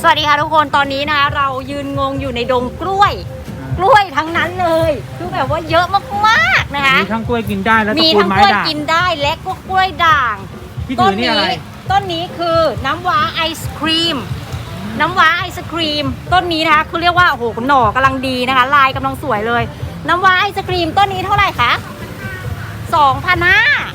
สวัสดีค่ะทุกคนตอนนี้นะคะเรายืนงงอยู่ในดงกล้วยทั้งนั้นเลยคือแบบว่าเยอะมากๆนะคะมีทั้งกล้วยกินได้และตระกูลไม้ด่างมีทั้งกล้วยกินได้และก็กล้วยด่างที่ถือนี่อะไรต้นนี้คือน้ำว้าไอศครีมต้นนี้นะคะคือเรียกว่าโอ้โหหน่อกำลังดีนะคะลายกำลังสวยเลยน้ำว้าไอศครีมต้นนี้เท่าไหร่คะ2,500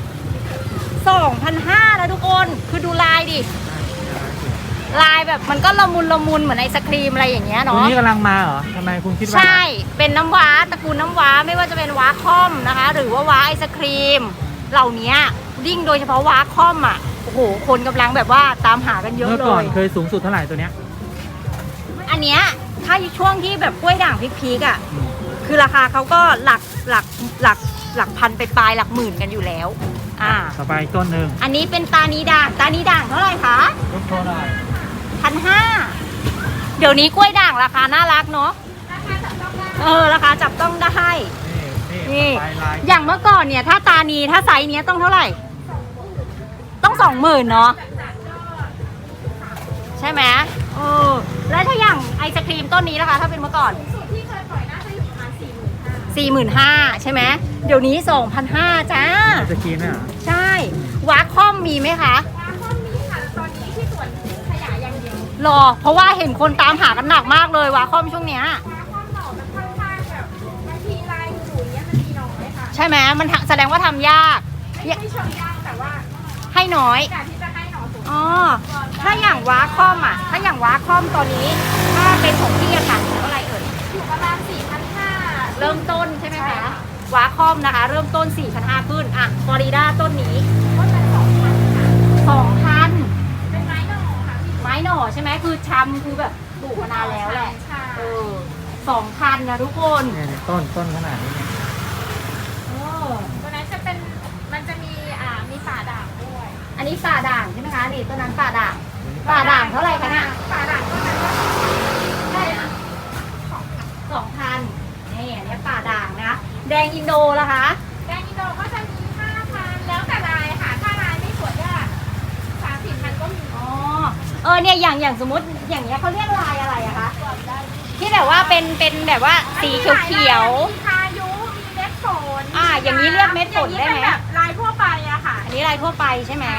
แล้วทุกคนคือดูลายดิลายแบบมันก็ละมุนเหมือนไอศครีมอะไรอย่างเงี้ยเนาะตัวนี้กำลังมาเหรอทำไมคุณคิดว่าใช่เป็นน้ำว้าตระกูลน้ำว้าไม่ว่าจะเป็นว้าค่อมนะคะหรือว่าว้าไอศครีมเหล่านี้ยิ่งโดยเฉพาะว้าค่อมอ่ะโอ้โหคนกำลังแบบว่าตามหากันเยอะเลยเมื่อก่อนเคยสูงสุดเท่าไหร่ตัวเนี้ยอันเนี้ยถ้าช่วงที่แบบกล้วยด่างพีกๆอ่ะคือราคาเขาก็หลักพันไปปลายหลักหมื่นกันอยู่แล้วต่อไปต้นหนึ่งอันนี้เป็นตานีด่างเท่าไหร่คะ1,500เดี๋ยวนี้กล้วยด่างราคาน่ารักเนาะราคาจับต้องได้นี่อย่างเมื่อก่อนเนี่ยถ้าตานีถ้าไซส์เนี้ยต้องเท่าไหร่ต้อง20,000เนาะใช่ไหมแล้วถ้าอย่างไอศครีมต้นนี้นะคะถ้าเป็นเมื่อก่อนที่เคยปล่อยน่าจะอยู่ประมาณ45,000ใช่ไหมเดี๋ยวนี้2,500จ้าไอศครีมเนี่ยใช่ว้าค่อมมีไหมคะว้าค่อมมีค่ะตอนนี้ที่สวนขยายอย่างเดียวรอเพราะว่าเห็นคนตามหากันหนักมากเลยว้าค่อมช่วงเนี้ยว้าค่อมหน่อมันค่อนข้างแบบบางทีลายหนูเนี้ยมันมีน้อยค่ะใช่ไหมมันแสดงว่าทำยากไม่เชิงยากแต่ว่าให้น้อยการที่จะให้หน่อสูงถ้าอย่างว้าค่อมถ้าอย่างว้าค่อมตอนนี้ถ้าเป็นของพี่อะค่ะเท่าไหร่เอ่ยอยู่ประมาณ4,500 เริ่มต้นใช่ไหมคะว้าค่อมนะคะเริ่มต้น4,500ขึ้นฟลอริดาต้นนี้ต้นละ2,000ค่ะ 2,000 เป็นไม้หน่อค่ะไม้หน่อใช่ไหมคือชำคือแบบปลูกมานานแล้วแหละ2,000นะทุกคนเนี่ยต้นขนาดนี้เนี่ยตัวนั้นจะเป็นมันจะมีป่าด่างด้วยอันนี้ป่าด่างใช่ไหมคะนี่ต้นนั้นป่าด่างเท่าไหร่คะเนี่ยป่าด่างต้นนั้นก็ได้ 2,000นี่อันนี้ป่าด่างนะคะแดงอินโดล่ะคะแดงอินโดก็จะมี5,000แล้วแต่ลายค่ะถ้าลายไม่สวยก็3-4,000ก็มีเนี่ยอย่างสมมติอย่างเงี้ยเขาเรียกลายอะไรอะคะที่แบบว่าเป็นแบบว่าสีเขียวมีพายุมีเม็ดฝนอย่างนี้เรียกเม็ดฝนได้ไหมแบบลายทั่วไปอะค่ะอันนี้ลายทั่วไปใช่ไหม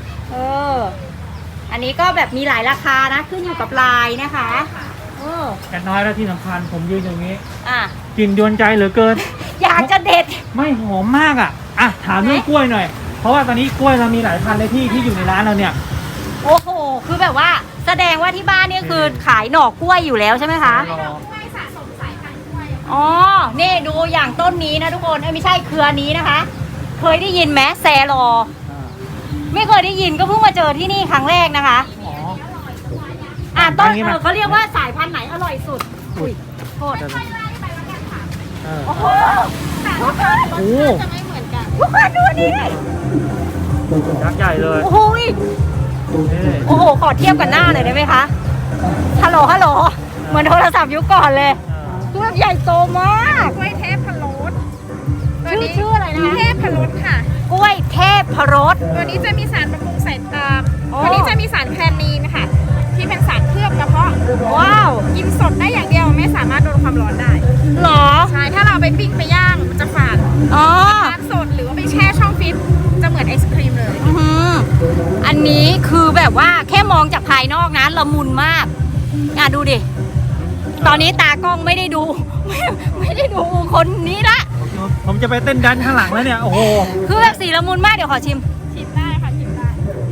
อันนี้ก็แบบมีหลายราคานะขึ้นอยู่กับลายนะคะแต่น้อยแล้วที่สำคัญผมยืนอย่างนี้กลิ่นยวนใจเหลือเกินอยากจะเด็ดไม่หอมมากถามเรื่องกล้วยหน่อยเพราะว่าตอนนี้กล้วยเรามีหลายพันเลยที่อยู่ในร้านเราเนี่ยโอ้โหคือแบบว่าแสดงว่าที่บ้านนี่คือขายหน่อกล้วยอยู่แล้วใช่ไหมคะกล้วยสะสมสายพันธุ์กล้วยนี่ดูอย่างต้นนี้นะทุกคนไม่ใช่เครือนี้นะคะเคยได้ยินไหมแซลอไม่เคยได้ยินก็เพิ่งมาเจอที่นี่ครั้งแรกนะคะต้นเขาเรียกว่าสายพันธุ์ไหนอร่อยสุดโทษโอ้โหแต่ว่าจะไม่เหมือนกันทุกคนดูนี่ยักษ์ใหญ่เลยโอ้โหขอเทียบกันหน้าหน่อยได้ไหมคะฮัลโหลเหมือนโทรศัพท์ยุคก่อนเลยตัวใหญ่โตมากกล้วยเทพพรสชื่ออะไรนะเทพพรสค่ะกล้วยเทพพรสตัวนี้จะมีสารบำรุงสายตาตัวนี้จะมีสารแคลนีนค่ะที่เป็นสารเคลือบกระเพาะว้าวกินสดได้อย่างเดียวไม่สามารถโดนความร้อนได้หรอใช่ถ้าเราไปปิ้งไปย่างมันจะฝาดทานสดหรือว่าไปแช่ช่องฟิตจะเหมือนไอศครีมเลยอันนี้คือแบบว่าแค่มองจากภายนอกนะละมุนมากดูดิตอนนี้ตากล้องไม่ได้ดูคนนี้ละผมจะไปเต้นดันข้างหลังแล้วเนี่ยโอ้โหคือแบบสีละมุนมากเดี๋ยวขอชิมได้ค่ะชิมได้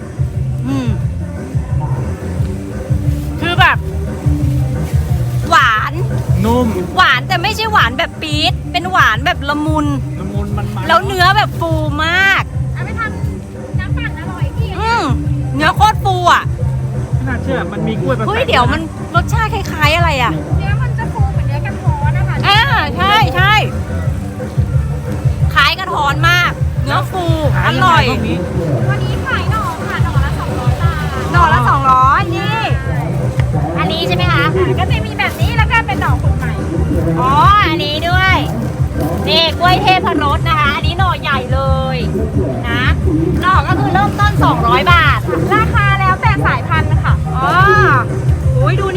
คือแบบหวานนุ่มหวานแต่ไม่ใช่หวานแบบปี๊ดเป็นหวานแบบละมุนมันแล้วเนื้อแบบฟูมากเอาไปทำน้ำปั่นอร่อยพี่เนื้อโคตรฟูน่าเชื่อมันมีกล้วยเฮ้ยเดี๋ยวมันรสชาติคล้ายๆอะไรเนื้อมันจะฟูเหมือนเนื้อกระท้อนนะคะใช่คล้ายกระท้อนมากเนื้อฟูอร่อยวันนี้ขายหน่อค่ะหน่อละ200 บาทหน่อละ200นี่อันนี้ใช่ไหมคะก็จะมีแบบนี้แล้วก็เป็นหน่อขุดใหม่อันนี้ด้วยนี่กล้วยเทพพรสนะคะอันนี้หน่อใหญ่เลยนะหน่อก็คือเริ่มต้น200 บาทราคาแล้วแต่สายพันธุ์ค่ะโอ้ยดู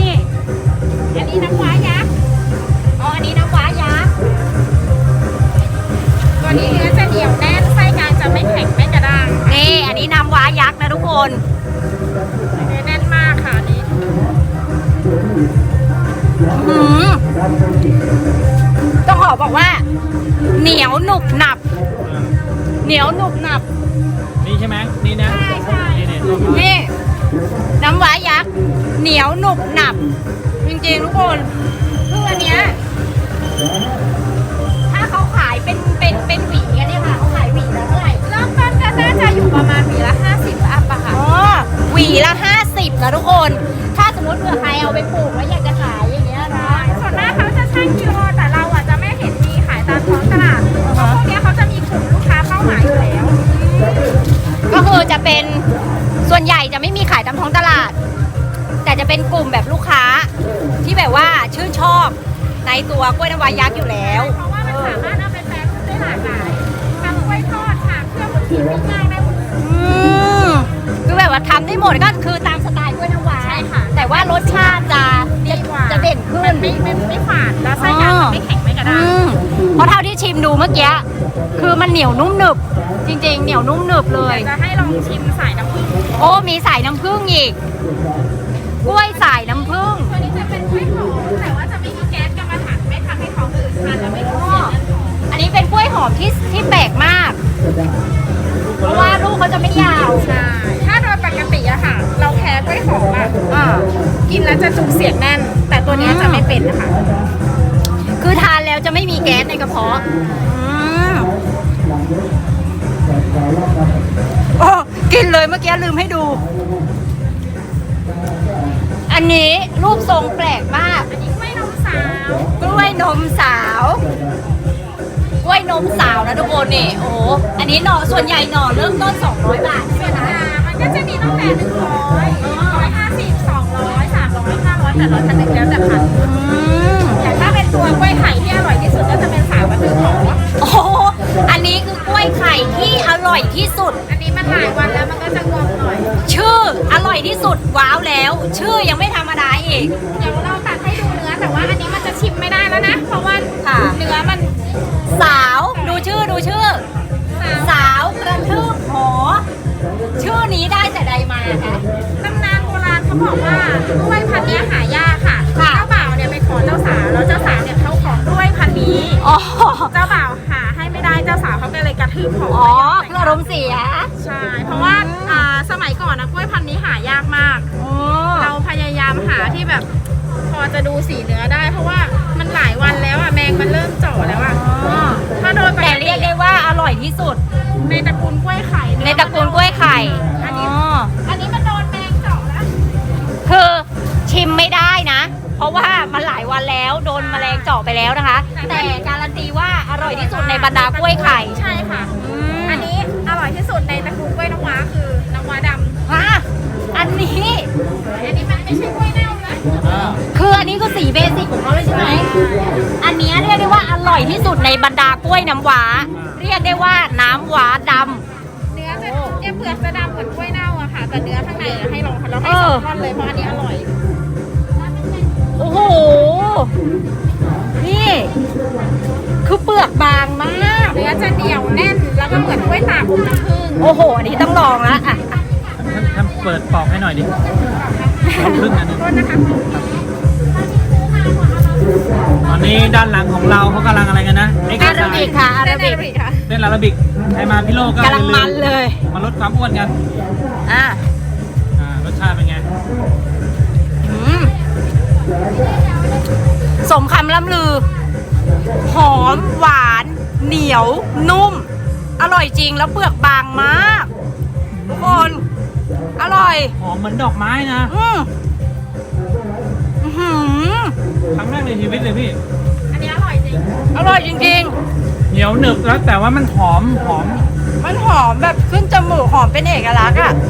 หือต้องขอบอกว่า เหนียวหนุบหนับ เหนียวหนุบหนับนี่ใช่ไหมนี่นะใช่นี่นี่ น้ำว้ายักษ์เหนียวหนุบหนับ จริงๆทุกคนคืออันเนี้ยถ้าเขาขายเป็นหวีกันเนี่ยค่ะเขาขายหวีละเท่าไหร่เริ่มต้นก็น่าจะอยู่ประมาณหวีละ50 อัพอะค่ะอ๋อหวีละ50นะทุกคน ถ้าสมมติเผื่อใครเอาไปปลูกแล้วอยากจะขายอย่างเงี้ยนะส่วนมากเขาจะชั่งกิโลแต่เราอะจะไม่เห็นมีขายตามท้องตลาดเพราะพวกเนี้ยเขาจะมีกลุ่มลูกค้าเป้าหมายอยู่แล้วก็คือจะเป็นส่วนใหญ่จะไม่มีขายตามท้องตลาด แต่จะเป็นกลุ่มแบบลูกค้าที่แบบว่าชื่นชอบในตัวกล้วยน้ำว้ายักษ์อยู่แล้วเพราะว่ามันสามารถเอาไปแปรรูปได้หลากหลายทำกล้วยทอดค่ะเครื่องมือชีวิตง่ายได้หมดเลยคือแบบว่าทำได้หมดก็คือตามสไตล์กล้วยน้ำว้าใช่ค่ะแต่ว่ารสชาติจะดีกว่าจะเด่นขึ้นไม่ฝาดแล้วไส้ยางมันไม่แข็งไม่กระด้างเพราะเท่าที่ชิมดูเมื่อกี้คือมันเหนียวนุ่มหนึบ จริงๆ เหนียวนุ่มหนึบเลยจะให้ลองชิมสายน้ำผึ้งโอ้มีสายน้ำผึ้งอีก กล้วยสายน้ำผึ้งตัวนี้จะเป็นกล้วยหอมแต่ว่าจะไม่มีแก๊สกรรมฐานไม่ทำให้ท้องอืดทานแล้วไม่ท้องเสียเลือดหอมอันนี้เป็นกล้วยหอมที่แปลกมาก เพราะว่าลูกเขาจะไม่ยาวใช่ถ้าโดยปกติอะค่ะ เราแพ้กล้วยหอมอะอ่ากินแล้วจะจุกเสียงแน่น แต่ตัวเนี้ยจะไม่เป็นนะคะคือทานแล้วจะไม่มีแก๊สในกระเพาะโอ้กินเลยเมื่อกี้ลืมให้ดู อันนี้รูปทรงแปลกมากอันนี้กล้วยนมสาวกล้วยนมสาว กล้วยนมสาวนะทุกคนนี่ โอ้โหอันนี้หน่อส่วนใหญ่หน่อเริ่มต้น200 บาทใช่ไหมคะมันก็จะมีตั้งแต่100 150 200 300 500แต่ละชนิดแล้วแต่พันธุ์อย่างถ้าเป็นตัวกล้วยไข่ที่อร่อยที่สุดก็จะเป็นสาวกระตือหอโอ้โหอันนี้คือกล้วยไข่ที่อร่อยที่สุดอันนี้มันหลายวันแล้วมันก็จะงอมหน่อยชื่ออร่อยที่สุดว้าวแล้ว ชื่อยังไม่ธรรมดาอีกเดี๋ยวเราตัดให้ดูเนื้อแต่ว่าอันนี้มันจะชิมไม่ได้แล้วนะ เพราะว่าค่ะเนื้อมันสาวดูชื่อ สาวกระทืบหอ ชื่อนี้ได้แต่ใดมาคะตำนานโบราณเขาบอกว่ากล้วยพันธุ์เนี้ยหายากค่ะค่ะเจ้าบ่าวเนี่ยไปขอเจ้าสาวแล้วเจ้าสาวเนี่ยเขาขอกล้วยพันธุ์นี้อ๋อเจ้าบ่าวหาให้ไม่ได้เจ้าสาวเขาก็เลยกระทืบหออ๋อคืออารมณ์เสียใช่ เพราะว่าสมัยก่อนนะกล้วยพันธุ์นี้หายากมากอ๋อเราพยายามหาที่แบบพอจะดูสีเนื้อได้ เพราะว่ามันหลายวันแล้วอ่ะแมงมันเริ่มเจาะแล้วอ่ะถ้าโดยปแต่กเรีติยกได้ว่าอร่อยที่สุดในตระกูลกล้วยไข่ในตระกูลกล้วยไข่อันนี้อ๋ออันนี้มันโดนแมงเจาะแล้วคือชิมไม่ได้นะ เพราะว่ามันหลายวันแล้วโดนแมลงเจาะไปแล้วนะคะ แต่การันตีว่าอร่อยที่สุดในบรรดากล้วยไข่ใช่ค่ะ อันนี้อร่อยที่สุดในตระกูลกล้วยน้ำว้าคือน้ำว้าดำฮะอันนี้อันนี้มันไม่ใช่กล้วยเน่านะคืออันนี้คือสีเบสิกของเขาเลยใช่ไหม อันเนี้ยเรียกได้ว่าอร่อยที่สุดในบรรดากล้วยน้ำว้า เรียกได้ว่าน้ำว้าดเนื้อจะเนี่ยเปลือกจะดำเหมือนกล้วยเน่าอะค่ะ แต่เนื้อข้างในอะให้ลองเราให้สองท่อนเลยเพราะอันนี้อร่อยำโอ้โห นี่ คือเปลือกบางมากเนื้อจะเหนียวแน่นแล้วก็เหมือนกล้วยตากน้ำผึ้งโอ้โห อันนี้ต้องลองละอ่ะท่านเปิดปอกให้หน่อยดิเอาครึ่งอันหนึงโทษนะคะตอนนี้ด้านหลังของเราเขากำลังอะไรกันนะเอ็กอาซ์ไซราบิกส์ค่ะอาราบิกค่ะเล่นอาราบิกใครมาพิโลก็กำลังมันเลยมาลดความอ้วนกันอ่ะรสชาติเป็นไงอืมสมคำล่ำลือ หอมหวาน เหนียว นุ่ม อร่อยจริงแล้วเปลือกบางมากทุกคน อร่อยหอมเหมือนดอกไม้นะอื้อหือครั้งแรกในชีวิตเลยพี่อันนี้อร่อยจริงอร่อยจริงเหนียวหนึบแล้วแต่ว่ามันหอมๆ มันหอมแบบขึ้นจมูกหอมเป็นเอกลักษณ์อะ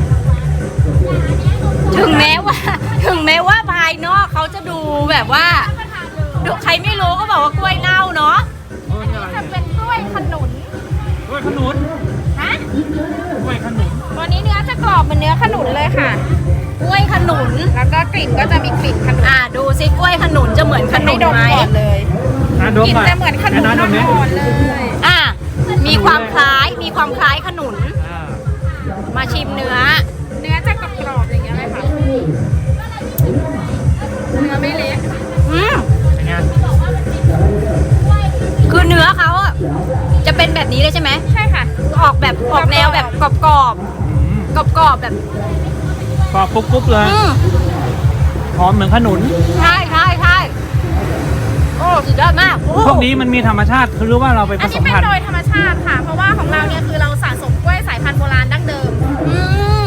ถึงแม้ว่าภายนอกเขาจะดูแบบว่าดูใครไม่รู้ก็บอกว่ากล้วยเน่าเนาะจะเป็นกล้วยขนุนกล้วยขนุนฮะกล้วยขนุนตัวนี้เนื้อจะกรอบเหมือนเนื้อขนุนเลยค่ะกล้วยขนุนแล้วก็กลิ่นก็จะมีกลิ่นขนุนดูซิกล้วยขนุนจะเหมือนขนุให้นดมไหมก่อนเลยดมกลิ่นหน่อยจะเหมือนขนุนดมอ่อนๆเลยมีความคล้ายขนุนอ่ามาชิมเนื้อเนื้อจะกรอบๆอย่างเงี้ยเลยค่ะ เนื้อไม่เละอืมช่ไหมใช่ค่ะออกแบบออกแนวแบบกรอบอืมๆกรอบๆแบบกรอบกรุบๆเลยอืมหอมเหมือนขนุนใช่ใช่ใช่โอ้สุดยอดมากโอ้พวกนี้มันมีธรรมชาติคือรู้ว่าเราไปผอันสนี้มเป็นพันธุ์โดยธรรมชาติค่ะ เพราะว่าของเราเนี่ยคือเราสะสมกล้วยสายพันธุ์โบราณดั้งเดิมอืม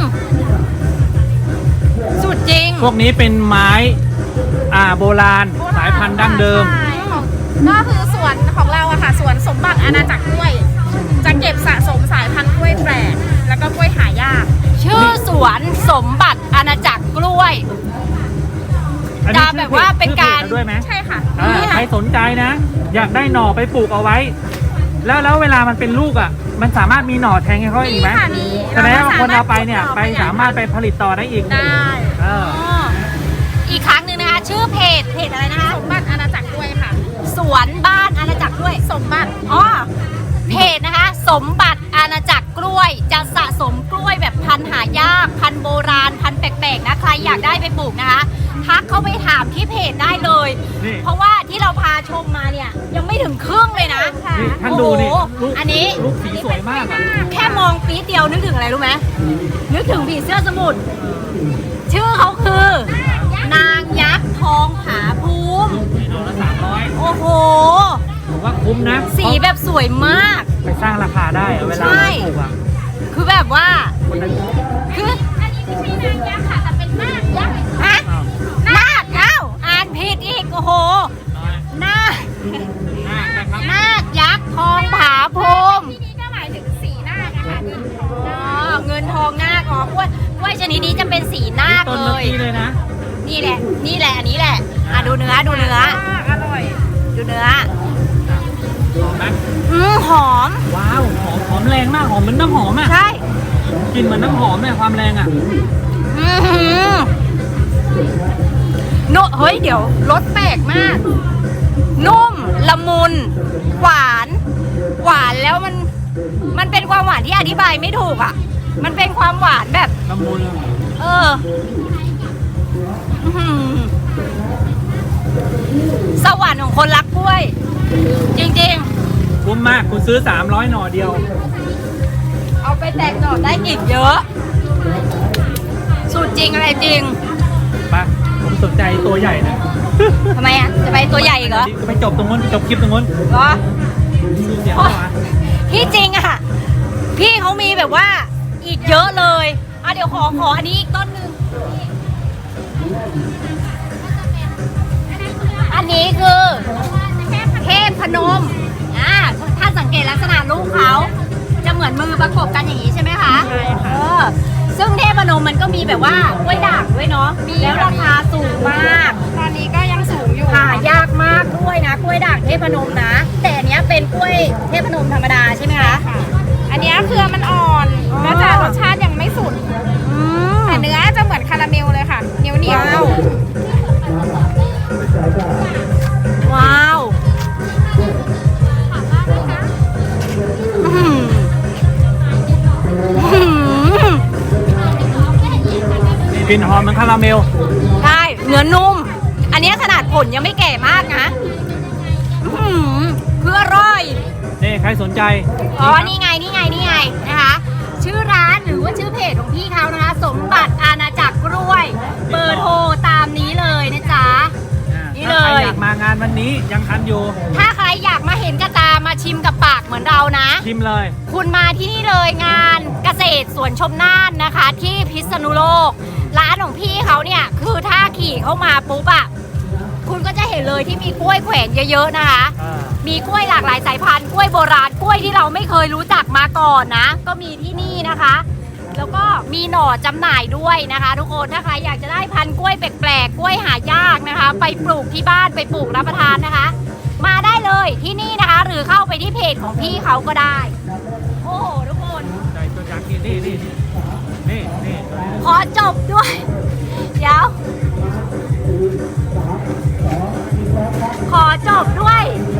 สุดจริงพวกนี้เป็นไม้โบราณสายพันธุ์ดั้งเดิมใช่ของก็คือสวนของเราอะค่ะสวนสมบัติอาณาจักรกล้วย จะเก็บสะสมสายพันธุ์กล้วยแปลกแล้วก็กล้วยหายากชื่อสวนสมบัติอาณาจักรกล้วยอันนี้จะแบบว่าเป็นการชื่อพจด้วยไหมใช่ค่ะใครสนใจนะ อยากได้หน่อไปปลูกเอาไว้ แล้วเวลามันเป็นลูกอ่ะ มันสามารถมีหน่อแทงให้เขาอีกไหมมีค่ะมีแสดงว่าคนเอาไปเนี่ยเราไปก็สามารถสามารถไปผลิตต่อได้อีกได้เอออ๋ออีกครั้งหนึ่งนะคะ ชื่อเพจอะไรนะคะสมบัติอาณาจักรกล้วยค่ะสวนบ้านอาณาจักรกล้วยสมบัติอ๋อเพจนะคะ สมบัติอาณาจักรกล้วย จะสะสมกล้วยแบบพันธุ์หายาก พันธุ์โบราณ พันธุ์แปลกๆนะใครอยากได้ไปปลูกนะคะทักเข้าไปถามที่เพจได้เลยนี่เพราะว่าที่เราพาชมมาเนี่ยยังไม่ถึงครึ่งเลยนะนี่ท่านดูนี่โอ้โหลูกอันนี้ลูกสีสวยมากอ่ะแค่มองปี๊ดเดียวนึกถึงอะไรรู้ไหมนึกถึงผีเสื้อสมุทรชื่อเขาคือ นางยักษ์ทองผาภูมินี่หน่อละ300 โอ้โหผมว่าคุ้มนะสีแบบสวยมากไปสร้างราคาได้อะเวลาใช่ปลูกอ่ะคือแบบว่าคนนั้นคืออันนี้ไม่ใช่นางยักษ์ค่ะ แต่เป็นนาคยักษ์ฮะอ้าวนาคเอ้าอ่านผิดอีก โอ้โหน้อยนาคมากนะครับนาคยักษ์ทองผาภูมิที่นี้ก็หมายถึงสีนาคอะค่ะนี่ของอ๋นาอคเงินทองนาคอ๋อกล้วยชนิดนี้จะเป็นสีนาคต้นเลเมื่อย กี้เลยนะนี่แหละ นี่แหละ อันนี้แหละ อ่ะดูเนื้อ ดูเนื้ออร่อยดูเนื้อหอมไหมหอมว้าวหอมแรงมากหอมเหมือนน้ำหอมอ่ะใช่กลินเหมือนน้ำหอมเลยความแรงอ่ะอื้อหือโนเฮ้ย เดี๋ยวรสแปลกมาก นุ่ม ละมุน หวาน หวานแล้วมันเป็นความหวานที่อธิบายไม่ถูกอ่ะ มันเป็นความหวานแบบละมุนเอออื้อหือสวรรค์ของคนรักกล้วย จริงคุ้มมากคุณซื้อ300หน่อเดียวๆ เอาไปแตกหน่อได้อีกเยอะ สูตรจริงอะไรจริงปะผมสนใจตัวใหญ่นะทำไมอ่ะ จะไปตัวใหญ่อีกเหรอไปจบตรงนู้นจบคลิปตรงนู้นเหรอดูเสียงเข้ามาที่จริงอ่ะ พี่เขามีแบบว่าอีกเยอะเลยอ่ะเดี๋ยวขออันนี้อีกต้นหนึ่งอันนี้คือเทพพนมถ้าสังเกตลักษณะลูกเขาจะเหมือนมือประกบกันอย่างนี้ใช่ไหมคะใช่ค่ะซึ่งเทพพนมมันก็มีแบบว่ากล้วยด่างด้วยเนาะแล้วราคาสูงมากตอนนี้ก็ยังสูงอยู่หายากมากด้วยนะกล้วยด่างเทพนมนะ แต่อันเนี้ยเป็นกล้วยเทพนมธรรมดาใช่ไหมคะค่ะ อันเนี้ยเครือมันอ่อนอ๋อแล้วแต่รสชาติยังไม่สุดอืมแต่เนื้อจะเหมือนคาราเมลเลยค่ะ เหนียวเหนียวว้าว ว้าวอื้อหืออื้อหือมีกลิ่นหอมเหมือนคาราเมลใช่เนื้อนุ่ม อันเนี้ยขนาดผลยังไม่แก่มากนะอื้อหือคืออร่อยนี่ใครสนใจอ๋อ นี่ไงนะคะ ชื่อร้านหรือว่าชื่อเพจของพี่เขานะคะ สมบัติอาณาจักรกล้วย เบอร์โทรตามนี้เลยนะจ๊ะ นี่เลยถ้าใครอยากมางานวันนี้ยังทันอยู่ถ้าใครอยากมาเห็นกระตามาชิมกับปากเหมือนเรานะชิมเลยคุณมาที่นี่เลยงานเกษตรสวนชมน่านนะคะ ที่พิษณุโลก ร้านของพี่เขาเนี่ยคือถ้าขี่เข้ามาปุ๊บอะคุณก็จะเห็นเลยที่มีกล้วยแขวนเยอะๆนะคะ มีกล้วยหลากหลายสายพันธุ์กล้วยโบราณกล้วยที่เราไม่เคยรู้จักมาก่อนนะ ก็มีที่นี่นะคะ แล้วก็มีหน่อจำหน่ายด้วยนะคะ ทุกคนถ้าใครอยากจะได้พันธุ์กล้วยแปลกๆกล้วยหายากนะคะ ไปปลูกที่บ้านไปปลูกรับประทานนะคะ มาได้เลยที่นี่นะคะ หรือเข้าไปที่เพจของพี่เขาก็ได้ โอ้โหทุกคนใจตัวอยากกินนี่ตัวนี้ขอจบด้วย เดี๋ยว ขอจบด้วย